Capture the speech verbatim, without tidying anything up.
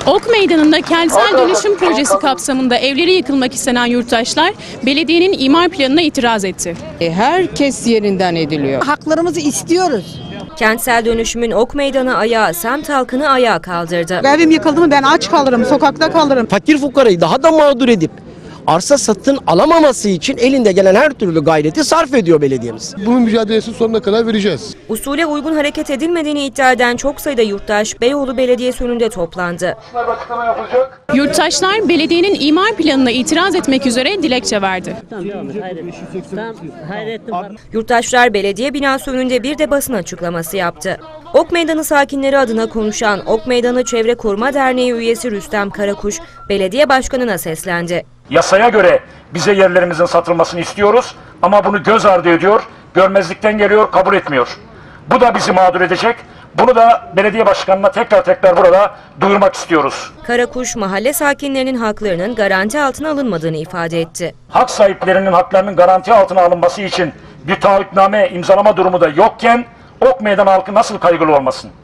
Ok Meydanı'nda kentsel dönüşüm projesi kapsamında evleri yıkılmak istenen yurttaşlar belediyenin imar planına itiraz etti. Herkes yerinden ediliyor. Haklarımızı istiyoruz. Kentsel dönüşümün Ok Meydanı ayağı semt halkını ayağa kaldırdı. Evim yıkıldı mı ben aç kalırım, sokakta kalırım. Fakir fukarayı daha da mağdur edip arsa satın alamaması için elinde gelen her türlü gayreti sarf ediyor belediyemiz. Bunun mücadelesini sonuna kadar vereceğiz. Usule uygun hareket edilmediğini iddia eden çok sayıda yurttaş Beyoğlu Belediyesi önünde toplandı. Yurttaşlar belediyenin imar planına itiraz etmek üzere dilekçe verdi. Yurttaşlar belediye binası önünde bir de basın açıklaması yaptı. Ok Meydanı sakinleri adına konuşan Ok Meydanı Çevre Koruma Derneği üyesi Rüstem Karakuş, belediye başkanına seslendi. Yasaya göre bize yerlerimizin satılmasını istiyoruz ama bunu göz ardı ediyor, görmezlikten geliyor, kabul etmiyor. Bu da bizi mağdur edecek. Bunu da belediye başkanına tekrar tekrar burada duyurmak istiyoruz. Karakuş, mahalle sakinlerinin haklarının garanti altına alınmadığını ifade etti. Hak sahiplerinin haklarının garanti altına alınması için bir taahhütname imzalama durumu da yokken Ok Meydanı halkı nasıl kaygılı olmasın?